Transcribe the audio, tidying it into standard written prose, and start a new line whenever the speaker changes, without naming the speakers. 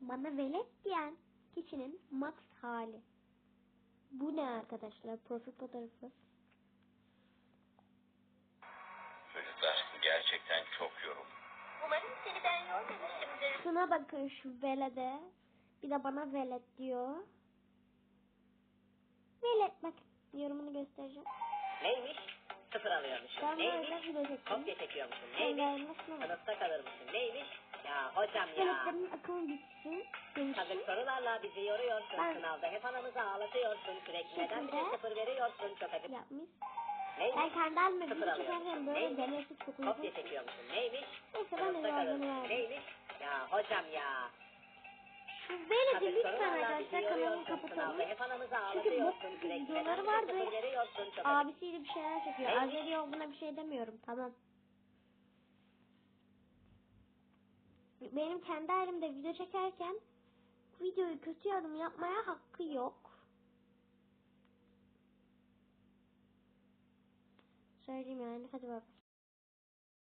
Bana velet diyen kişinin max hali. Bu ne arkadaşlar? Profil fotoğrafı.
Çocuklar gerçekten çok yoruldum.
Umarım seni ben yormamışımdır.
Şuna bakın şu velede. Bir de bana velet diyor. Velet bak. Yorumunu göstereceğim.
Neymiş? Sıfır alıyormuşum.
Ben
Neymiş?
böyle video çektim.
Kopya çekiyormuşum.
Sen
Neymiş?
nasıl?
Sınıfta kalırmışım. Neymiş? Ya hocam ya.
Veletlerin akıllı bitsin. Demiştim.
Kazık sorularla bizi yoruyorsun.
Ben-
Sınavda hep anamızı ağlatıyorsun. Sürekli neden bize
Şekilde
sıfır veriyorsun? Çok acı.
Yapmış.
Neymiş?
Ben kendi halime
Sıfır
video çekerken
alıyormuşum.
böyle
Neymiş?
deneysiz çok uygun.
Kopya çekiyormuşum. Neymiş?
Neyse ben de
Sınıfta
cevabını
kalırmışım.
verdim.
Neymiş? Ya hocam ya.
Şu veledi
Kazık
lütfen
sorularla bizi
arkadaşlar kanalını
yoruyorsun.
kapatalım.
Sınavda hep anamızı
Çünkü bu
ağlatıyorsun. Sürekli
videoları
neden bize
vardı.
sıfır veriyorsun? Çok acı.
Abisiyle bir şeyler çekiyor.
Neymiş?
Azeri olduğuna bir şey demiyorum. Tamam. Benim kendi halimde video çekerken videoyu kötü yorum yapmaya hakkı yok. Söyleyeyim yani. Hadi bak.